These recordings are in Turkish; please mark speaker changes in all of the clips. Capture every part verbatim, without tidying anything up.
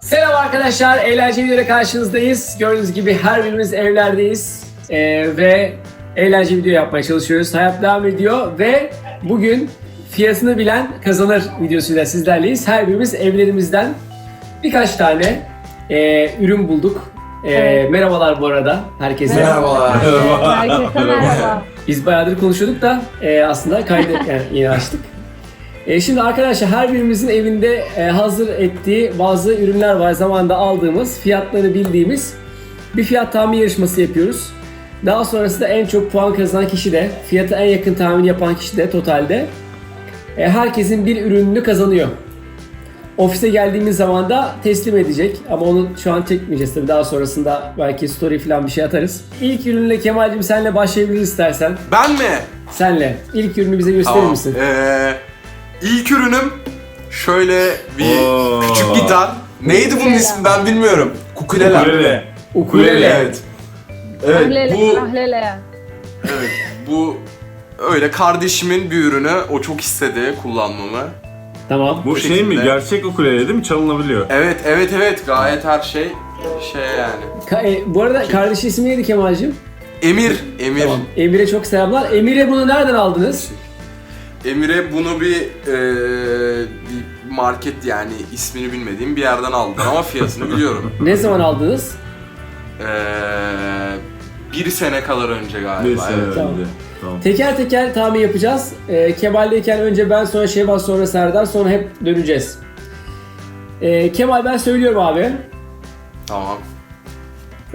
Speaker 1: Selam arkadaşlar, eğlenceli videoyla karşınızdayız. Gördüğünüz gibi her birimiz evlerdeyiz ee, ve eğlenceli video yapmaya çalışıyoruz. Hayat devam ediyor ve bugün fiyatını bilen kazanır videosuyla sizlerleyiz. Her birimiz evlerimizden birkaç tane e, ürün bulduk. E,
Speaker 2: Evet.
Speaker 1: Merhabalar bu arada herkese.
Speaker 3: Merhabalar.
Speaker 2: Herkese merhaba.
Speaker 1: Biz bayağıdır konuşuyorduk da e, aslında kaydı yani yeni açtık. E, şimdi arkadaşlar her birimizin evinde e, hazır ettiği bazı ürünler var. Zamanında aldığımız, fiyatları bildiğimiz bir fiyat tahmin yarışması yapıyoruz. Daha sonrasında en çok puan kazanan kişi de, fiyata en yakın tahmin yapan kişi de totalde e, herkesin bir ürününü kazanıyor. Ofise geldiğimiz zaman da teslim edecek ama onu şu an çekmeyeceğiz tabii, daha sonrasında belki story falan bir şey atarız. İlk ürünle Kemal'cim senle başlayabiliriz istersen.
Speaker 3: Ben mi?
Speaker 1: Senle. İlk ürünü bize gösterir
Speaker 3: Tamam.
Speaker 1: misin?
Speaker 3: Ee, ilk ürünüm şöyle bir
Speaker 4: Oo.
Speaker 3: küçük gitar. Neydi bunun ismi ben bilmiyorum. Ukulele.
Speaker 4: Ukulele.
Speaker 1: Ukulele.
Speaker 3: Evet. Evet
Speaker 2: Ahlele,
Speaker 3: bu
Speaker 2: ahlele.
Speaker 3: evet bu öyle kardeşimin bir ürünü. O çok istedi kullanmamı.
Speaker 1: Tamam.
Speaker 4: Bu
Speaker 3: Bu
Speaker 4: şey mi?
Speaker 3: şekilde.
Speaker 4: Gerçek ukulele değil mi? Çalınabiliyor.
Speaker 3: Evet evet evet gayet her şey şey yani.
Speaker 1: Ka- e, bu arada kardeşi ismi neydi Kemal'cim?
Speaker 3: Emir, Emir.
Speaker 1: Tamam. Emir'e çok selamlar. Emir'e bunu nereden aldınız?
Speaker 3: Emir'e bunu bir, eee, bir market yani ismini bilmediğim bir yerden aldım ama fiyatını biliyorum.
Speaker 1: Ne zaman aldınız?
Speaker 3: Eee bir sene kadar önce galiba.
Speaker 4: Bir sene
Speaker 3: evet.
Speaker 4: önce.
Speaker 1: Tamam.
Speaker 4: Tamam.
Speaker 1: Teker teker tahmin yapacağız. E, Kemal'deyken önce ben, sonra Şevval, sonra Serdar, sonra hep döneceğiz. E, Kemal ben söylüyorum abi.
Speaker 3: Tamam.
Speaker 1: E,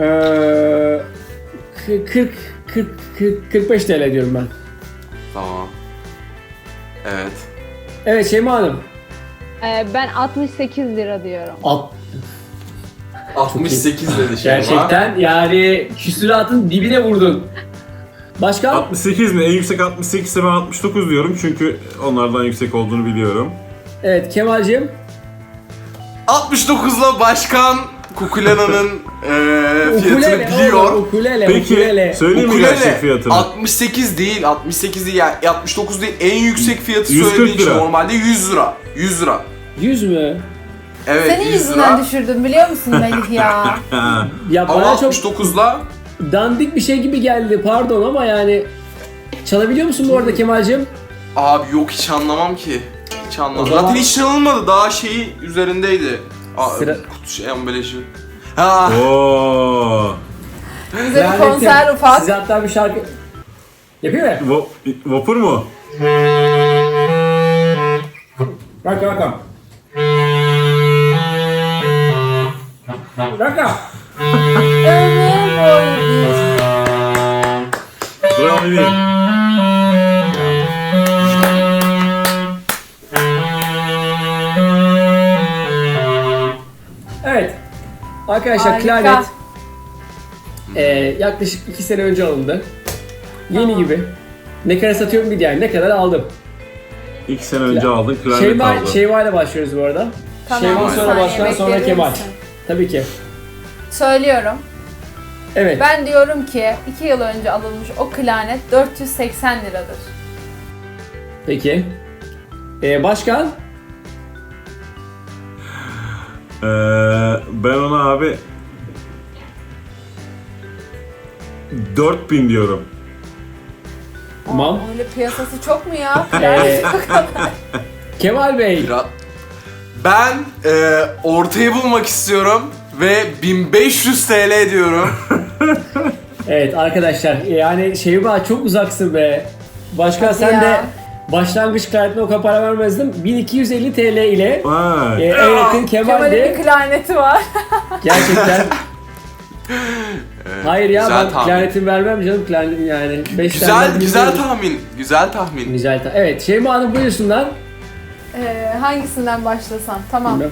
Speaker 1: kırk, kırk, kırk, kırk beş T L diyorum ben.
Speaker 3: Tamam. Evet.
Speaker 1: Evet Şeyma Hanım.
Speaker 2: Ee, ben altmış sekiz lira diyorum.
Speaker 1: Alt,
Speaker 3: altmış sekiz dedi şey
Speaker 1: gerçekten yani küsuratın dibine vurdun. Başka?
Speaker 4: altmış sekiz mi? En yüksek altmış sekiz ise ben altmış dokuz diyorum çünkü onlardan yüksek olduğunu biliyorum.
Speaker 1: Evet Kemal'cim.
Speaker 3: altmış dokuzla başkan Kukulena'nın eee fiyatını
Speaker 1: Ukulele,
Speaker 3: biliyor.
Speaker 1: oğlum, ukulele,
Speaker 4: Peki
Speaker 1: ukulele.
Speaker 4: söyleyeyim mi
Speaker 3: Ukulele
Speaker 4: gerçek fiyatını?
Speaker 3: altmış sekiz değil, altmış sekiz değil yani altmış dokuz değil. En yüksek fiyatı
Speaker 4: yüz kırk
Speaker 3: söylediği için
Speaker 4: lira.
Speaker 3: normalde yüz lira. yüz lira.
Speaker 1: yüz mü?
Speaker 3: Evet
Speaker 5: Senin
Speaker 3: yüz
Speaker 5: yüzünden
Speaker 3: lira.
Speaker 5: düşürdüm biliyor musun Melih ya?
Speaker 4: Ha.
Speaker 1: Ya
Speaker 3: Ama
Speaker 1: bana çok
Speaker 3: altmış dokuzla
Speaker 1: dandik bir şey gibi geldi, pardon ama yani çalabiliyor musun bu arada Kemal'cim?
Speaker 3: abi yok hiç anlamam ki. Hiç anlamam.
Speaker 1: O zaman-
Speaker 3: Zaten hiç çalınmadı. Daha şeyi üzerindeydi. Aa,
Speaker 1: Sıra-
Speaker 3: kutu şey ambalajı. Ha.
Speaker 4: Oo.
Speaker 5: Bize bir
Speaker 1: Lanettim.
Speaker 5: konser ufak.
Speaker 1: Size hatta bir şarkı yapıyor mu?
Speaker 4: Va- vapur mu?
Speaker 1: Bak bak. Bak.
Speaker 5: Ömür boyu.
Speaker 4: Bravo değil.
Speaker 1: Evet. Arkadaşlar
Speaker 5: Harika.
Speaker 1: klarnet e, yaklaşık iki sene önce alındı. Yeni
Speaker 5: Tamam.
Speaker 1: gibi. Ne kadar satıyorum bir yani ne kadar aldım.
Speaker 4: İki sene önce aldın, klarnet
Speaker 1: Şeyma,
Speaker 4: aldın.
Speaker 1: Şeyma ile başlıyoruz bu arada.
Speaker 5: Tamam,
Speaker 1: Şeyma
Speaker 5: bir
Speaker 1: sonra
Speaker 5: saniye
Speaker 1: başkan, sonra
Speaker 5: bekleyebilir
Speaker 1: Kemal.
Speaker 5: misin?
Speaker 1: Tabii ki.
Speaker 5: Söylüyorum.
Speaker 1: Evet.
Speaker 5: Ben diyorum ki iki yıl önce alınmış o klarnet dört yüz seksen liradır.
Speaker 1: Peki. E, başkan?
Speaker 4: Ee, ben ona abi dört bin diyorum.
Speaker 1: Tamam.
Speaker 5: Aa, öyle piyasası çok mu ya?
Speaker 1: Ee,
Speaker 5: Klarnet o kadar.
Speaker 1: Kemal Bey.
Speaker 3: Biraz- Ben e, ortayı bulmak istiyorum ve bin beş yüz T L diyorum.
Speaker 1: Evet arkadaşlar yani Şeyma çok uzaksın be. Başkan
Speaker 5: Hadi
Speaker 1: sen
Speaker 5: ya.
Speaker 1: de başlangıç klarnetine o kadar para vermezdin. bin iki yüz elli T L ile
Speaker 4: Vay.
Speaker 1: e, en yakın
Speaker 5: Kemal'in
Speaker 1: Kemal'di.
Speaker 5: bir klarneti var.
Speaker 1: Gerçekten. Hayır ya
Speaker 3: güzel
Speaker 1: ben
Speaker 3: tahmin.
Speaker 1: klarnetimi vermem canım, klarnetim yani. Beş
Speaker 3: Güzel
Speaker 1: tane
Speaker 3: güzel
Speaker 1: bilmiyorum.
Speaker 3: tahmin. Güzel tahmin.
Speaker 1: Güzel ta- Evet Şeyma Hanım buyursunlar.
Speaker 5: Ee, hangisinden başlasam? Tamam.
Speaker 1: Bilmem.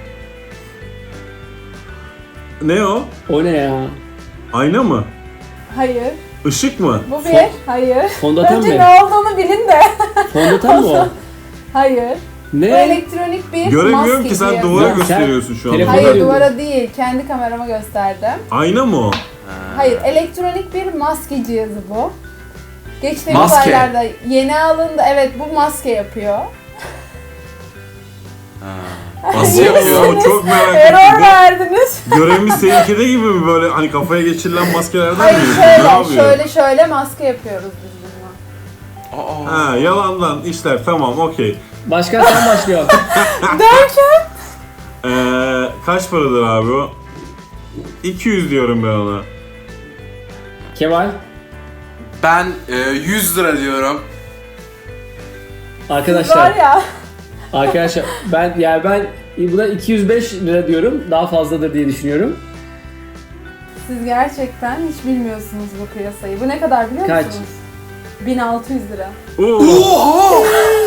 Speaker 4: Ne o?
Speaker 1: O ne ya?
Speaker 4: Ayna mı?
Speaker 5: Hayır.
Speaker 4: Işık mı?
Speaker 5: Bu bir. Hayır.
Speaker 1: Fondöten
Speaker 5: Önce
Speaker 1: mi?
Speaker 5: ne olduğunu bilin de.
Speaker 1: Fondöten mi o?
Speaker 5: Hayır. Bu
Speaker 1: Ne?
Speaker 5: elektronik bir
Speaker 4: Göremiyorum
Speaker 5: maske
Speaker 4: ki sen
Speaker 5: cihazı.
Speaker 4: duvara
Speaker 1: Ya sen
Speaker 4: gösteriyorsun şu anda.
Speaker 1: telefon-
Speaker 5: Hayır
Speaker 1: Görüyorum.
Speaker 5: duvara değil. Kendi kamerama gösterdim.
Speaker 4: Ayna mı o?
Speaker 5: Hayır, elektronik bir maske cihazı bu. Geçtiğimiz
Speaker 3: Maske.
Speaker 5: aylarda yeni alındı. Evet, bu maske yapıyor.
Speaker 3: Ha. Nasıl yapıyor?
Speaker 4: Oo, çok merak
Speaker 5: Error
Speaker 4: ettim.
Speaker 5: verdiniz.
Speaker 4: Bu Görevimiz seninkide gibi mi böyle hani kafaya geçirilen maskelerden
Speaker 5: Hayır
Speaker 4: mi? Ne
Speaker 5: şöyle,
Speaker 4: yapıyor?
Speaker 5: şöyle şöyle maske yapıyoruz biz bununla.
Speaker 3: Aa.
Speaker 4: Ha, yalandan işler tamam okey.
Speaker 1: Başkan sen başlıyorsun.
Speaker 5: Derken?
Speaker 4: Ee, kaç paradır abi o? iki yüz diyorum ben ona.
Speaker 1: Kemal.
Speaker 3: Ben e, yüz lira diyorum.
Speaker 5: Var
Speaker 1: Arkadaşlar.
Speaker 5: ya.
Speaker 1: Arkadaşlar ben yani ben buna iki yüz beş lira diyorum. Daha fazladır diye düşünüyorum.
Speaker 5: Siz gerçekten hiç bilmiyorsunuz bu piyasayı. Bu ne kadar biliyor
Speaker 1: Kaç?
Speaker 5: musunuz? bin altı yüz lira.
Speaker 4: Oo.
Speaker 3: Oha!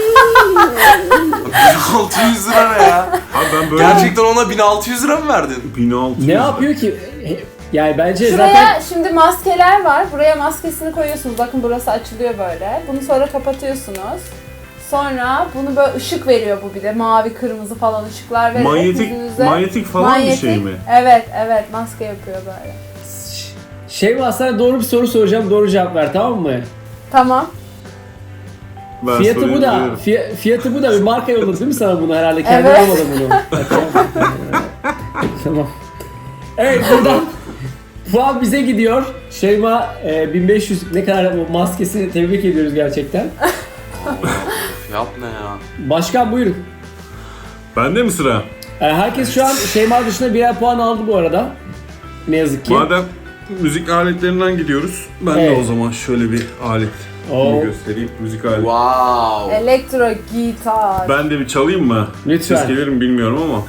Speaker 3: bin altı yüz lira ne ya?
Speaker 4: Abi ben böyle
Speaker 3: Gerçekten ona bin altı yüz lira mı verdin?
Speaker 4: bin altı yüz
Speaker 1: Ne yapıyor ki? Yani bence
Speaker 5: Şuraya
Speaker 1: zaten
Speaker 5: şimdi maskeler var. Buraya maskesini koyuyorsunuz. Bakın burası açılıyor böyle. Bunu sonra kapatıyorsunuz. Sonra bunu böyle ışık veriyor bu bir de. Mavi, kırmızı falan ışıklar vererek
Speaker 4: Manyetik,
Speaker 5: yüzünüze.
Speaker 4: manyetik falan bir şey mi?
Speaker 5: Evet, evet. Maske yapıyor böyle.
Speaker 1: şey var, sana doğru bir soru soracağım. Doğru cevap ver, tamam mı?
Speaker 5: Tamam.
Speaker 4: Ben
Speaker 1: Fiyatı bu
Speaker 4: soruyu
Speaker 1: da.
Speaker 4: biliyorum.
Speaker 1: Fiy- fiyatı bu da. Bir marka yolladı değil mi sana bunu herhalde? Kendi
Speaker 5: Evet.
Speaker 1: almadı bunu. Tamam. Evet, buradan puan bize gidiyor. Şeyma e, bin beş yüz ne kadar bu maskesini tebrik ediyoruz gerçekten.
Speaker 3: Fiyat ne ya?
Speaker 1: Başkan buyurun.
Speaker 4: Bende mi sıra?
Speaker 1: E, herkes şu an Şeyma dışında birer puan aldı bu arada. Ne yazık ki.
Speaker 4: Madem müzik aletlerinden gidiyoruz, ben
Speaker 1: Evet.
Speaker 4: de o zaman şöyle bir alet
Speaker 1: Oo.
Speaker 4: göstereyim. Müzik aleti.
Speaker 3: Wow.
Speaker 5: Elektro gitar.
Speaker 4: Ben de bir çalayım mı?
Speaker 1: Lütfen.
Speaker 4: Ses gelir mi bilmiyorum ama.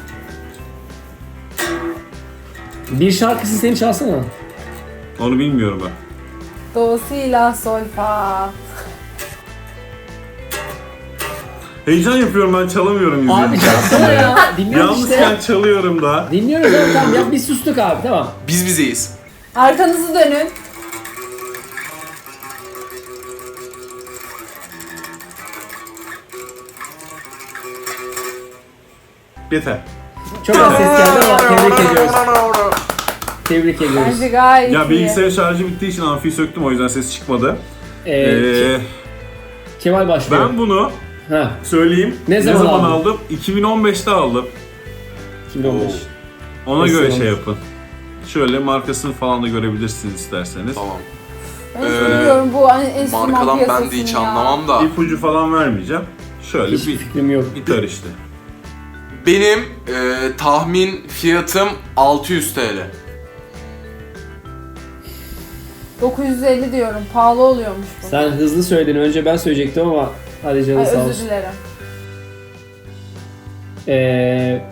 Speaker 1: Bir şarkısı seni çalsana.
Speaker 4: Onu bilmiyorum ben.
Speaker 5: Do, si, la, sol, fa.
Speaker 4: Heyecan yapıyorum ben çalamıyorum
Speaker 1: Abi
Speaker 4: izleyince.
Speaker 1: çalsana ya. Dinliyoruz
Speaker 4: Yalnızken
Speaker 1: işte.
Speaker 4: çalıyorum da.
Speaker 1: Dinliyoruz abi, tamam ya, biz sustuk abi, tamam.
Speaker 3: Biz bizeyiz.
Speaker 5: Arkanızı dönün.
Speaker 4: Yeter.
Speaker 1: Çok az ses geldi ama tebrik ediyoruz. Tebrik ediyoruz.
Speaker 5: Bence gayet
Speaker 4: Ya
Speaker 5: iyi.
Speaker 4: bilgisayar şarjı bittiği için amfiyi söktüm o yüzden ses çıkmadı.
Speaker 1: Ee,
Speaker 4: Ee,
Speaker 1: Kemal başlıyor.
Speaker 4: ben bunu
Speaker 1: Ha,
Speaker 4: söyleyeyim.
Speaker 1: Ne zaman aldın?
Speaker 4: aldım? iki bin on beşte aldım.
Speaker 1: iki bin on beş.
Speaker 4: Ona
Speaker 1: Nasıl
Speaker 4: göre
Speaker 1: olmuş?
Speaker 4: şey yapın. Şöyle markasını falan da görebilirsiniz isterseniz.
Speaker 3: Tamam.
Speaker 5: Ben hiç
Speaker 3: Ee,
Speaker 5: bilmiyorum bu hani enstrüman
Speaker 3: Markadan ben de
Speaker 5: piyasasını
Speaker 3: hiç
Speaker 5: ya.
Speaker 3: anlamam da.
Speaker 4: İpucu falan vermeyeceğim. Şöyle
Speaker 1: Hiçbir
Speaker 4: bir
Speaker 1: fikrim yok.
Speaker 4: gitar işte.
Speaker 3: Benim e, tahmin fiyatım altı yüz T L.
Speaker 5: dokuz yüz elli diyorum. Pahalı oluyormuş bu.
Speaker 1: Sen hızlı söyledin. Önce ben söyleyecektim ama hadi canım
Speaker 5: Ay,
Speaker 1: sağ
Speaker 5: özür
Speaker 1: olsun.
Speaker 5: dilerim.
Speaker 1: Ee,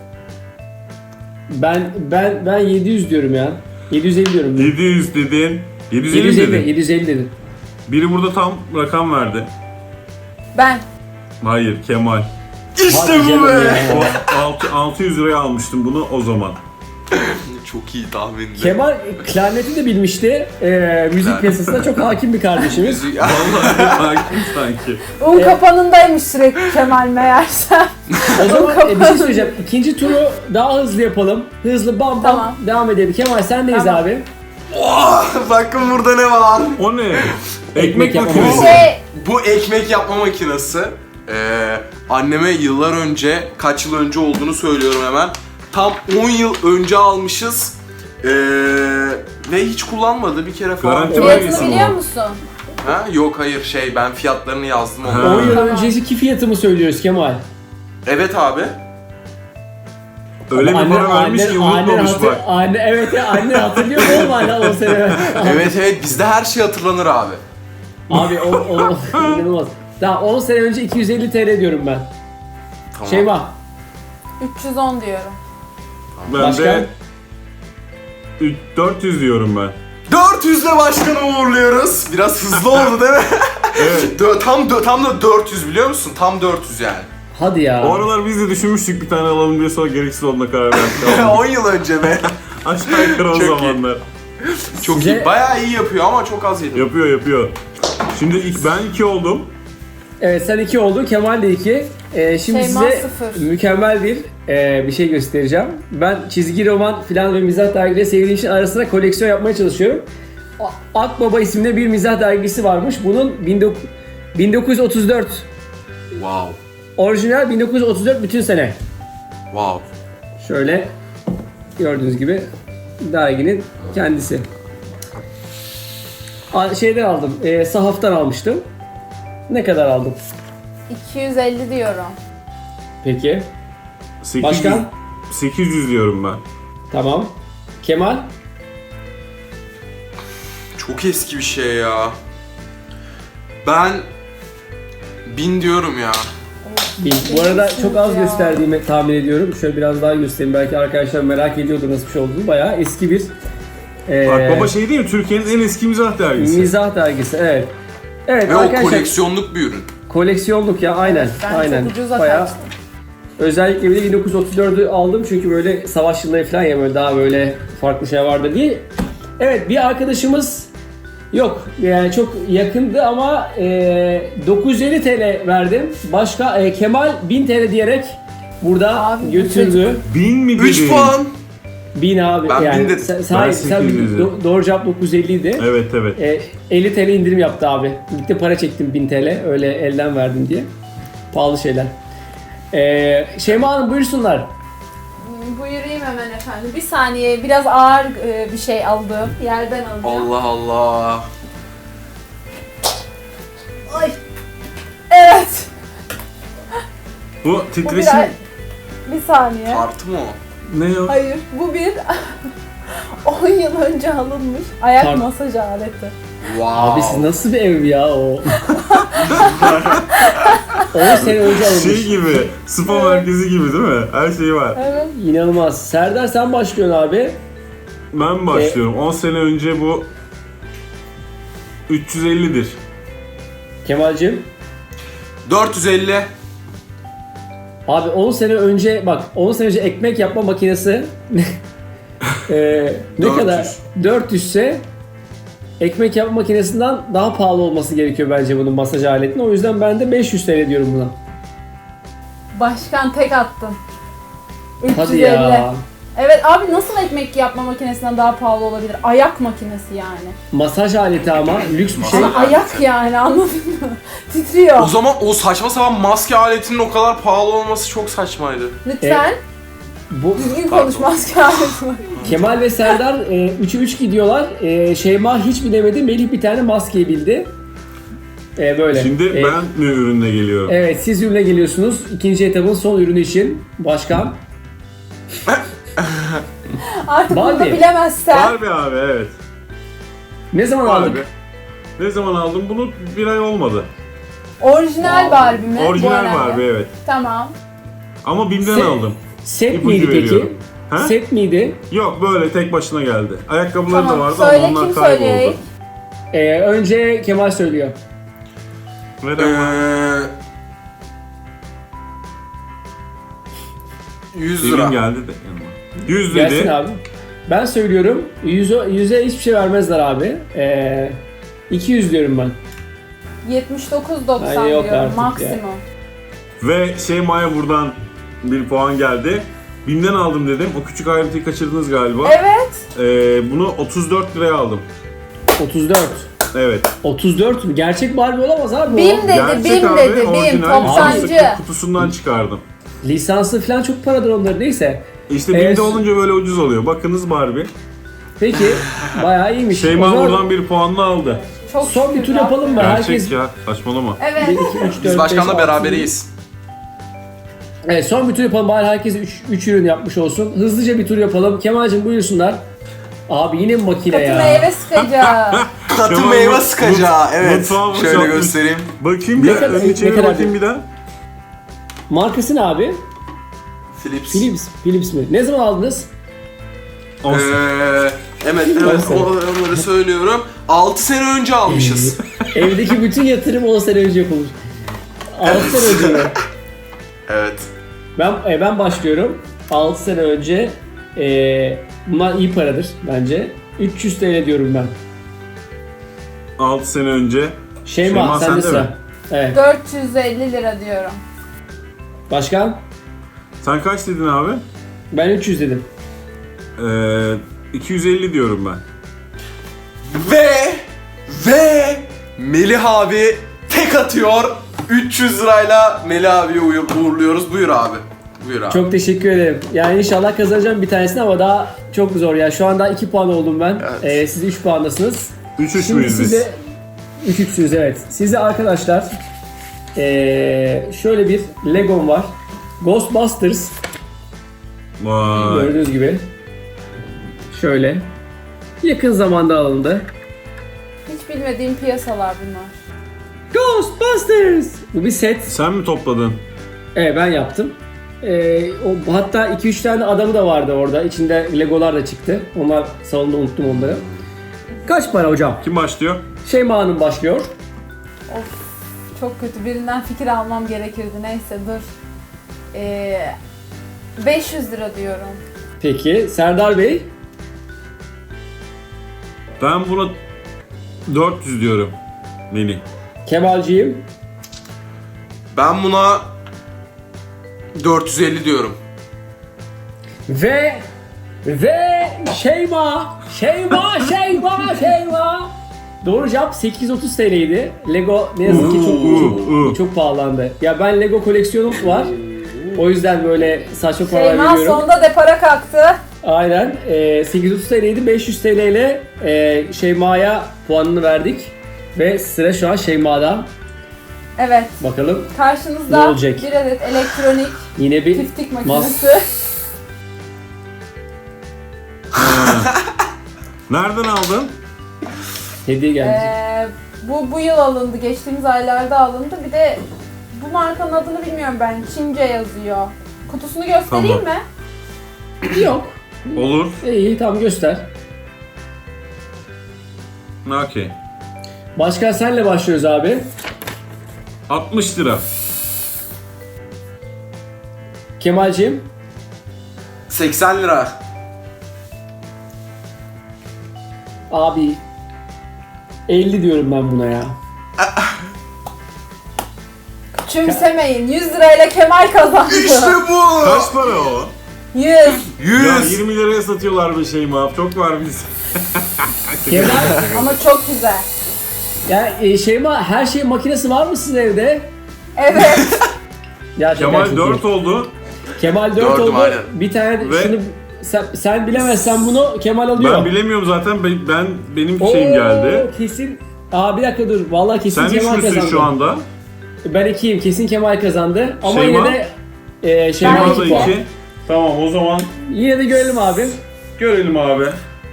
Speaker 1: ben ben ben yedi yüz diyorum ya. yedi yüz elli diyorum.
Speaker 4: yedi yüz dedin. yedi yüz elli
Speaker 1: yedi yüz elli,
Speaker 4: dedin.
Speaker 1: yedi yüz elli dedim.
Speaker 4: Biri burada tam rakam verdi.
Speaker 5: Ben.
Speaker 4: Hayır, Kemal.
Speaker 3: İşte
Speaker 1: Hadi
Speaker 3: bu
Speaker 1: canım
Speaker 3: be.
Speaker 1: ya.
Speaker 4: O altı- 600 liraya almıştım bunu o zaman.
Speaker 3: Çok iyi tahmindi.
Speaker 1: Kemal klarneti de bilmişti. Ee, müzik
Speaker 3: Klarnet.
Speaker 1: piyasasına çok hakim bir kardeşimiz.
Speaker 3: Müzik-
Speaker 4: Vallahi hakim sanki.
Speaker 5: Un
Speaker 1: Evet.
Speaker 5: kapanındaymış sürekli Kemal meğerse.
Speaker 1: O zaman e, bir şey söyleyeceğim. İkinci turu daha hızlı yapalım. Hızlı bam bam
Speaker 5: Tamam.
Speaker 1: devam edelim. Kemal sendeyiz
Speaker 5: Tamam.
Speaker 1: abi.
Speaker 3: Oh, bakın burada ne var?
Speaker 4: O ne?
Speaker 1: Ekmek
Speaker 4: Ekmek
Speaker 1: yapma
Speaker 4: makinesi.
Speaker 5: Şey,
Speaker 3: Bu ekmek yapma makinesi. Ee, anneme yıllar önce, kaç yıl önce olduğunu söylüyorum hemen. Tam on yıl önce almışız. Ee, ve hiç kullanmadı bir kere falan.
Speaker 4: Garanti
Speaker 5: fiyatını
Speaker 4: vergisi mi
Speaker 5: biliyor
Speaker 4: o?
Speaker 5: musun?
Speaker 3: Ha? Yok hayır şey ben fiyatlarını yazdım
Speaker 4: Ha.
Speaker 3: onu.
Speaker 1: on yıl
Speaker 5: Tamam.
Speaker 1: önceki fiyatımı söylüyoruz Kemal.
Speaker 3: Evet abi.
Speaker 4: Öyle bir
Speaker 1: Anne-
Speaker 4: para vermiş ki
Speaker 1: anne- anne
Speaker 4: unutmamış
Speaker 1: hatır-
Speaker 4: bak.
Speaker 1: Anne, evet ya, anne hatırlıyor mu oğlum hala on sene?
Speaker 3: Evet evet bizde her şey hatırlanır abi.
Speaker 1: Abi o, o inanılmaz. Daha on sene önce iki yüz elli T L diyorum ben.
Speaker 3: Tamam.
Speaker 1: Şeyma.
Speaker 5: üç yüz on diyorum.
Speaker 4: Ben
Speaker 1: Başka?
Speaker 4: de üç- dört yüz diyorum ben.
Speaker 3: dört yüzle başkanı uğurluyoruz. Biraz hızlı oldu değil mi?
Speaker 4: Evet.
Speaker 3: Dö- tam dö- tam da dört yüz biliyor musun? Tam dört yüz yani.
Speaker 1: Hadi ya.
Speaker 4: O aralar biz de düşünmüştük bir tane alalım diye sonra gereksiz olduğuna karar verdik.
Speaker 3: on yıl önce be.
Speaker 4: Aşağı yukarı o
Speaker 3: Çok iyi.
Speaker 4: zamanlar.
Speaker 3: Çok
Speaker 1: Size-
Speaker 3: iyi. Bayağı iyi yapıyor ama çok az yedim.
Speaker 4: Yapıyor yapıyor. Şimdi ilk ben iki oldum.
Speaker 1: Evet, sen iki oldun, Kemal de iki. Ee, şimdi
Speaker 5: Şeyma
Speaker 1: size
Speaker 5: sıfır.
Speaker 1: mükemmel bir e, bir şey göstereceğim. Ben çizgi roman filan ve mizah dergileri sevdiğim için arasında koleksiyon yapmaya çalışıyorum. A- Akbaba isimli bir mizah dergisi varmış. Bunun bin dokuz- bin dokuz yüz otuz dört
Speaker 3: Wow.
Speaker 1: orijinal bin dokuz yüz otuz dört bütün sene.
Speaker 3: Wow.
Speaker 1: Şöyle gördüğünüz gibi derginin kendisi. A- Şeyden aldım, e, sahaftan almıştım. Ne kadar aldım?
Speaker 5: iki yüz elli diyorum.
Speaker 1: Peki.
Speaker 4: sekiz yüz,
Speaker 1: Başkan?
Speaker 4: sekiz yüz diyorum ben.
Speaker 1: Tamam. Kemal?
Speaker 3: Çok eski bir şey ya. Ben bin diyorum ya.
Speaker 1: Bin. Bu arada çok az
Speaker 5: Ya.
Speaker 1: gösterdiğimi tahmin ediyorum. Şöyle biraz daha göstereyim. Belki arkadaşlar merak ediyordur nasıl bir şey olduğunu. Bayağı eski bir e,
Speaker 4: Akbaba şey değil mi? Türkiye'nin en eski mizah dergisi.
Speaker 1: mizah dergisi. Evet. Evet
Speaker 3: Ve o
Speaker 1: arkadaşlar.
Speaker 3: koleksiyonluk bir ürün.
Speaker 1: Koleksiyonluk ya aynen.
Speaker 5: Ben
Speaker 1: aynen.
Speaker 5: çok ucuza
Speaker 1: Bayağı
Speaker 5: kaçtım.
Speaker 1: özellikle bir de bin dokuz yüz otuz dördü aldım çünkü böyle savaş yılları falan ya böyle daha böyle farklı şey vardı diye. Evet bir arkadaşımız yok yani çok yakındı ama e, dokuz yüz elli TL verdim. Başka e, Kemal bin TL diyerek burada
Speaker 5: Abi, bu
Speaker 1: götürdü.
Speaker 4: Bin mi dedin?
Speaker 3: üç puan.
Speaker 1: bin abi
Speaker 3: Ben
Speaker 1: yani.
Speaker 3: bin dedim.
Speaker 1: Sen,
Speaker 4: Ben
Speaker 1: sen, sen
Speaker 4: sekiz yüz
Speaker 1: do- doğru cevap dokuz yüz elli idi.
Speaker 4: Evet evet.
Speaker 1: E, elli TL indirim yaptı abi. Gitti para çektim bin TL öyle elden verdim diye. Pahalı şeyler. E, Şeyma Hanım buyursunlar.
Speaker 5: Hmm, Buyurayım hemen efendim. Bir saniye, biraz ağır e, bir şey aldım. Yerden alacağım.
Speaker 3: Allah Allah.
Speaker 5: Ay. Evet.
Speaker 4: Bu
Speaker 5: Bu bir,
Speaker 4: titreşim
Speaker 5: bir saniye.
Speaker 3: Tartı mı o?
Speaker 4: ne o?
Speaker 5: Hayır, bu bir on yıl önce alınmış ayak
Speaker 1: Tar-
Speaker 5: masaj aleti.
Speaker 3: Wow.
Speaker 1: Abi siz nasıl bir ev ya o? on sene önce alınmış.
Speaker 4: Şey gibi, spa merkezi gibi değil mi? Her şey var.
Speaker 5: Evet.
Speaker 1: İnanılmaz. Serdar sen başlıyorsun abi.
Speaker 4: Ben başlıyorum. on sene önce bu üç yüz ellidir.
Speaker 1: Kemal'cim.
Speaker 3: dört yüz elli.
Speaker 1: Abi on sene önce bak on sene önce ekmek yapma makinesi Ee, ne
Speaker 3: dört yüz.
Speaker 1: kadar? dört yüz ise ekmek yapma makinesinden daha pahalı olması gerekiyor bence bunun masaj aletinin. O yüzden ben de beş yüz TL diyorum buna.
Speaker 5: Başkan tek attın. üç yüz elli.
Speaker 1: Hadi ya.
Speaker 5: Evet abi, nasıl ekmek yapma makinesinden daha pahalı olabilir? Ayak makinesi yani.
Speaker 1: Masaj aleti ama lüks bir şey.
Speaker 5: Ama ayak yani, anladın mı? Titriyor.
Speaker 3: O zaman o saçma sapan maske aletinin o kadar pahalı olması çok saçmaydı.
Speaker 5: Lütfen
Speaker 1: Bu
Speaker 5: düzgün konuş, maske aleti var.
Speaker 1: Kemal ve Serdar üçe üç gidiyorlar. E, Şeyma hiç bilemedi. Melih bir tane maskeyi bildi. E, böyle.
Speaker 4: Şimdi
Speaker 1: E,
Speaker 4: ben mi ürünle geliyorum?
Speaker 1: Evet siz ürüne geliyorsunuz. İkinci etabın son ürünü için. Başkan.
Speaker 5: Artık bunu da
Speaker 1: Barbie.
Speaker 5: bilemezsen.
Speaker 4: Barbie abi evet.
Speaker 1: Ne zaman
Speaker 4: Barbie.
Speaker 1: aldık?
Speaker 4: Ne zaman aldım? Bunu bir ay olmadı.
Speaker 5: Orijinal Barbie mi? Bu
Speaker 4: Orijinal
Speaker 5: önemli.
Speaker 4: Barbie evet.
Speaker 5: Tamam.
Speaker 4: Ama Bim'den
Speaker 1: Se-
Speaker 4: aldım.
Speaker 1: Set
Speaker 4: İpucu
Speaker 1: miydi peki?
Speaker 4: veriyorum. Ha?
Speaker 1: Set miydi?
Speaker 4: Yok böyle tek başına geldi. Ayakkabıları
Speaker 5: Tamam.
Speaker 4: da vardı
Speaker 5: Söyle,
Speaker 4: ama onlar
Speaker 5: kim
Speaker 4: kayboldu.
Speaker 5: söyleyecek?
Speaker 1: Ee, önce Kemal söylüyor.
Speaker 4: Ver
Speaker 3: Ee,
Speaker 4: ama.
Speaker 3: yüz
Speaker 4: Bim'in
Speaker 3: lira.
Speaker 4: geldi de yanıma. yüz
Speaker 1: Gelsin
Speaker 4: dedi.
Speaker 1: abi. Ben söylüyorum. Yüze, yüze hiçbir şey vermezler abi. Ee, iki yüz diyorum ben.
Speaker 5: yetmiş dokuz doksan
Speaker 1: Ay, yok
Speaker 5: diyorum
Speaker 1: artık ya.
Speaker 5: maksimum.
Speaker 4: Ve Şeyma'ya buradan bir puan geldi. Bim'den aldım dedim. O küçük ayrıntıyı kaçırdınız galiba.
Speaker 5: Evet.
Speaker 4: Ee, bunu otuz dört liraya aldım.
Speaker 1: otuz dört.
Speaker 4: Evet.
Speaker 1: otuz dört mü? Gerçek Barbie olamaz abi o.
Speaker 5: Bim dedi,
Speaker 4: Gerçek
Speaker 5: Bim
Speaker 4: abi,
Speaker 5: dedi, Bim,
Speaker 4: orijinal
Speaker 5: toptancı.
Speaker 4: lastik kutusundan çıkardım.
Speaker 1: Lisansı falan çok paradır onların neyse.
Speaker 4: İşte
Speaker 1: Evet.
Speaker 4: Bim'de olunca böyle ucuz oluyor. Bakınız Barbie.
Speaker 1: Peki bayağı iyiymiş. O
Speaker 4: Şeyma
Speaker 1: zaman
Speaker 4: buradan bir puanla aldı.
Speaker 5: Çok
Speaker 1: son bir
Speaker 5: şükür
Speaker 1: tur
Speaker 5: ya.
Speaker 1: yapalım mı?
Speaker 4: Gerçek
Speaker 1: Herkes
Speaker 4: ya. Saçmalama.
Speaker 1: bir,
Speaker 5: Evet.
Speaker 1: iki, üç, dört,
Speaker 3: Biz başkanla
Speaker 1: beş, altı,
Speaker 3: beraberiz.
Speaker 1: Evet son bir tur yapalım bari herkes üç ürün yapmış olsun. Hızlıca bir tur yapalım. Kemal'cim buyursunlar. Abi yine mi makine
Speaker 5: Katı
Speaker 1: ya?
Speaker 5: meyve sıkacağı.
Speaker 3: Katı
Speaker 4: Kemal,
Speaker 3: meyve
Speaker 4: mut-
Speaker 3: sıkacağı.
Speaker 4: mut-
Speaker 3: Evet.
Speaker 4: mutfağı
Speaker 3: Şöyle
Speaker 4: boşaltmış.
Speaker 3: göstereyim.
Speaker 4: Bakayım
Speaker 1: Ne
Speaker 4: bir
Speaker 1: kadar-
Speaker 4: önünü
Speaker 1: ne
Speaker 4: çevir
Speaker 1: kadar
Speaker 4: bakayım
Speaker 1: bir-
Speaker 4: bir daha.
Speaker 1: Markası ne abi?
Speaker 3: Philips.
Speaker 1: Philips. Philips mi? Ne zaman aldınız?
Speaker 4: On-
Speaker 3: Ee, evet evet
Speaker 1: On sene.
Speaker 3: onları söylüyorum. altı sene önce almışız.
Speaker 1: Evdeki bütün yatırım on sene önce yapılmış. altı sene önce mi?
Speaker 3: Evet.
Speaker 1: Ben, e, ben başlıyorum. altı sene önce e, bunlar iyi paradır bence. üç yüz TL diyorum ben.
Speaker 4: altı sene önce.
Speaker 1: Şeyma,
Speaker 4: Şeyma,
Speaker 1: sende
Speaker 4: sende
Speaker 1: sıra.
Speaker 4: mi?
Speaker 1: Evet.
Speaker 5: dört yüz elli lira diyorum.
Speaker 1: Başkan?
Speaker 4: Sen kaç dedin abi?
Speaker 1: Ben üç yüz dedim.
Speaker 4: Ee, iki yüz elli diyorum ben.
Speaker 3: Ve ve Melih abi tek atıyor. üç yüz lirayla Melih abiyi uğur- uğurluyoruz. Buyur abi. Buyur abi.
Speaker 1: Çok teşekkür ederim. Yani inşallah kazanacağım bir tanesini ama daha çok zor ya. Şu anda iki puan oldum ben.
Speaker 3: Evet.
Speaker 1: Ee, siz üç puandasınız.
Speaker 4: üç üç
Speaker 1: Şimdi
Speaker 4: müyüz biz?
Speaker 1: size üç üçsünüz evet. Size arkadaşlar ee, şöyle bir Legom var. Ghostbusters
Speaker 4: Vay.
Speaker 1: gördüğünüz gibi. Şöyle. Yakın zamanda alındı.
Speaker 5: Hiç bilmediğim piyasalar bunlar.
Speaker 1: Ghostbusters! Bu bir set.
Speaker 4: Sen mi topladın?
Speaker 1: Evet ben yaptım. Ee, o, hatta iki üç tane adamı da vardı orada. İçinde Legolar da çıktı. Onlar salonda unuttum onları. Kaç para hocam?
Speaker 4: Kim başlıyor?
Speaker 1: Şeyma Hanım başlıyor.
Speaker 5: Of çok kötü. Birinden fikir almam gerekirdi. Neyse dur. Ee, beş yüz lira diyorum.
Speaker 1: Peki Serdar Bey?
Speaker 4: Ben buna dört yüz diyorum. Mini.
Speaker 1: Kemalciğim?
Speaker 3: Ben buna dört yüz elli diyorum.
Speaker 1: Ve ve Şeyma, Şeyma, Şeyma, Şeyma. Doğru cevap sekiz yüz otuz T L'ydi. Lego ne yazık ki çok çok,
Speaker 4: Uh, uh.
Speaker 1: çok pahalandı. Ya ben Lego koleksiyonum var. O yüzden böyle saçma paralar
Speaker 5: Şeyma
Speaker 1: veriyorum.
Speaker 5: sonunda depara kalktı.
Speaker 1: Aynen. E, sekiz yüz otuz T L'ydi. beş yüz T L ile e, Şeyma'ya puanını verdik. Ve sıra şu an Şeyma'da.
Speaker 5: Evet.
Speaker 1: Bakalım Ne
Speaker 5: Karşınızda
Speaker 1: olacak?
Speaker 5: bir adet elektronik
Speaker 1: yine bir
Speaker 5: tiftik
Speaker 1: mas-
Speaker 5: makinesi.
Speaker 4: Nereden aldın?
Speaker 1: hediye geldi.
Speaker 5: Ee, bu bu yıl alındı. Geçtiğimiz aylarda alındı. Bir de bu markanın adını bilmiyorum ben. Çince yazıyor. Kutusunu göstereyim
Speaker 4: Tamam.
Speaker 5: mi?
Speaker 1: Yok.
Speaker 4: Olur.
Speaker 1: İyi tamam göster.
Speaker 4: Okey.
Speaker 1: Başkan senle başlıyoruz abi.
Speaker 4: altmış lira.
Speaker 1: Kemalciğim.
Speaker 3: seksen lira.
Speaker 1: Abi elli diyorum ben buna ya.
Speaker 5: Küçümsemeyin. yüz lirayla Kemal kazandı.
Speaker 3: İşte bu.
Speaker 4: Kaç para o?
Speaker 5: yüz.
Speaker 4: Ya
Speaker 3: yüz.
Speaker 4: yirmi liraya satıyorlar bir şey mi? Çok var biz.
Speaker 1: Kemal,
Speaker 5: Ama çok güzel.
Speaker 1: ya e, Şeyma her şey makinesi var mı sizin evde?
Speaker 5: Evet.
Speaker 1: Gerçekten
Speaker 4: Kemal
Speaker 1: çok
Speaker 4: dört
Speaker 1: iyi.
Speaker 4: oldu.
Speaker 1: Kemal dört
Speaker 3: Dördüm,
Speaker 1: oldu.
Speaker 3: aynen.
Speaker 1: Bir tane
Speaker 4: Ve-
Speaker 1: şunu sen, sen bilemezsen bunu Kemal alıyor.
Speaker 4: Ben bilemiyorum zaten. Ben, ben benim
Speaker 1: Oo,
Speaker 4: şeyim geldi.
Speaker 1: Kesin. Aa bir dakika dur. Vallahi kesin
Speaker 4: Sen üç
Speaker 1: Kemal
Speaker 4: müsün
Speaker 1: kazandı.
Speaker 4: şu anda?
Speaker 1: Ben ikiyim. Kesin Kemal kazandı. Ama
Speaker 4: Şeyma?
Speaker 1: yine de e, Şeyma
Speaker 5: Ben
Speaker 1: iki
Speaker 4: Şeyma da
Speaker 1: puan.
Speaker 4: iki. Tamam o zaman
Speaker 1: Yine de görelim abi.
Speaker 4: görelim abi.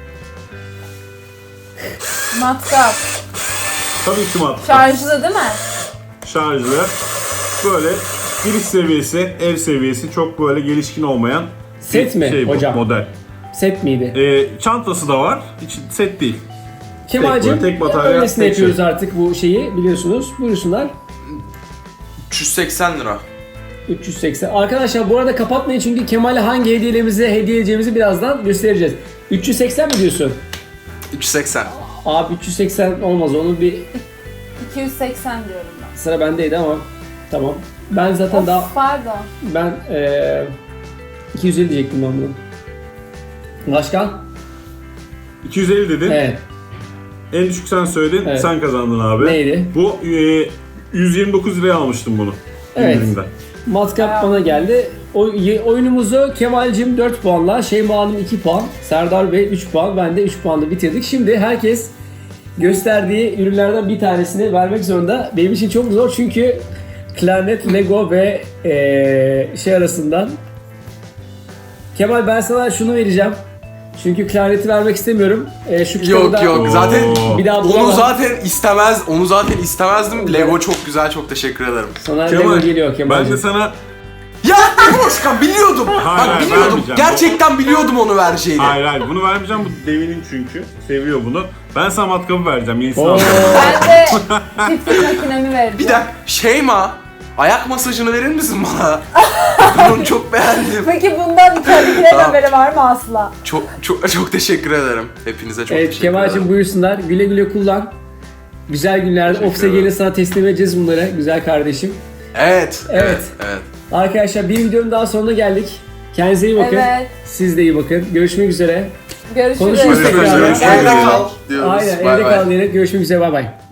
Speaker 5: Matkap.
Speaker 4: Tabii ki mat.
Speaker 5: Şarjlı değil mi?
Speaker 4: Şarjlı. Böyle giriş seviyesi, ev seviyesi çok böyle gelişkin olmayan
Speaker 1: Set
Speaker 4: bir
Speaker 1: mi
Speaker 4: şey bu,
Speaker 1: hocam?
Speaker 4: model.
Speaker 1: Set miydi?
Speaker 4: Ee, çantası da var. Hiç set değil.
Speaker 1: Kemal'cim
Speaker 4: tek batarya,
Speaker 1: öylesine
Speaker 4: tek
Speaker 1: yapıyoruz
Speaker 4: şey.
Speaker 1: artık bu şeyi biliyorsunuz. Buyursunlar.
Speaker 3: üç yüz seksen lira.
Speaker 1: üç yüz seksen. Arkadaşlar bu arada kapatmayın çünkü Kemal'e hangi hediyelerimizi hediye edeceğimizi birazdan göstereceğiz. üç yüz seksen mi diyorsun?
Speaker 3: üç yüz seksen.
Speaker 1: Abi üç yüz seksen olmaz. Onu bir
Speaker 5: iki yüz seksen diyorum ben.
Speaker 1: sıra bendeydi ama tamam. Ben zaten
Speaker 5: Of,
Speaker 1: daha
Speaker 5: pardon.
Speaker 1: ben eee iki yüz elli diyecektim ben bunu. Başkan?
Speaker 4: iki yüz elli dedin.
Speaker 1: Evet.
Speaker 4: En düşük sen söyledin.
Speaker 1: Evet.
Speaker 4: Sen kazandın abi.
Speaker 1: Neydi?
Speaker 4: Bu e, yüz yirmi dokuz liraya almıştım bunu.
Speaker 1: Evet.
Speaker 4: indirimden.
Speaker 1: Matkap bana geldi. O, y- oyunumuzu Kemal'cim dört puanla, Şeyma Hanım iki puan, Serdar Bey üç puan, ben de üç puanla bitirdik. Şimdi herkes gösterdiği ürünlerden bir tanesini vermek zorunda. Benim için çok zor çünkü klarnet, Lego ve eee, şey arasından. Kemal ben sana şunu vereceğim. Çünkü klarneti vermek istemiyorum. Eee, şu kitabı
Speaker 3: Yok
Speaker 1: da
Speaker 3: yok zaten
Speaker 4: Oo.
Speaker 1: bir daha
Speaker 3: onu
Speaker 1: bulamam.
Speaker 3: zaten istemez. Onu zaten istemezdim. Lego çok güzel. Çok teşekkür ederim.
Speaker 1: Sana
Speaker 4: Kemal,
Speaker 1: Lego geliyor Kemal'cim.
Speaker 4: ben de sana
Speaker 3: Ya Boşkan biliyordum.
Speaker 4: Hayır,
Speaker 3: Bak
Speaker 4: hayır,
Speaker 3: biliyordum.
Speaker 4: vermeyeceğim.
Speaker 3: Gerçekten biliyordum onu vereceğini.
Speaker 4: hayır hayır bunu vermeyeceğim, bu devinin çünkü. Seviyor bunu. Ben sana matkabı vereceğim. Yenisini
Speaker 1: Oo.
Speaker 4: alacağım.
Speaker 5: Ben de tiftik makinemi vereceğim.
Speaker 3: Bir dakika Şeyma ayak masajını verir misin bana? Ben onu çok beğendim.
Speaker 5: Peki bundan içeridekilerin
Speaker 3: Tamam.
Speaker 5: haberi var mı Asla?
Speaker 3: Çok çok çok teşekkür ederim. Hepinize çok
Speaker 1: Evet
Speaker 3: teşekkür
Speaker 1: Kemal'cim
Speaker 3: ederim.
Speaker 1: buyursunlar. Güle güle kullan. Güzel günlerde
Speaker 3: Teşekkür
Speaker 1: ofise
Speaker 3: ederim.
Speaker 1: gelir sana teslim edeceğiz bunları. Güzel kardeşim.
Speaker 3: Evet,
Speaker 1: Evet.
Speaker 3: evet, evet.
Speaker 1: Arkadaşlar bir videonun daha sonuna geldik. Kendinize iyi bakın.
Speaker 5: Evet.
Speaker 1: Siz de iyi bakın. Görüşmek üzere.
Speaker 5: Görüşürüz.
Speaker 1: Konuşuruz
Speaker 4: tekrar.
Speaker 3: Evde
Speaker 4: Görüşürüz.
Speaker 3: kal diyoruz.
Speaker 1: Aynen
Speaker 3: Bay
Speaker 1: evde
Speaker 3: bay.
Speaker 1: kal diyerek görüşmek üzere. Bay bay.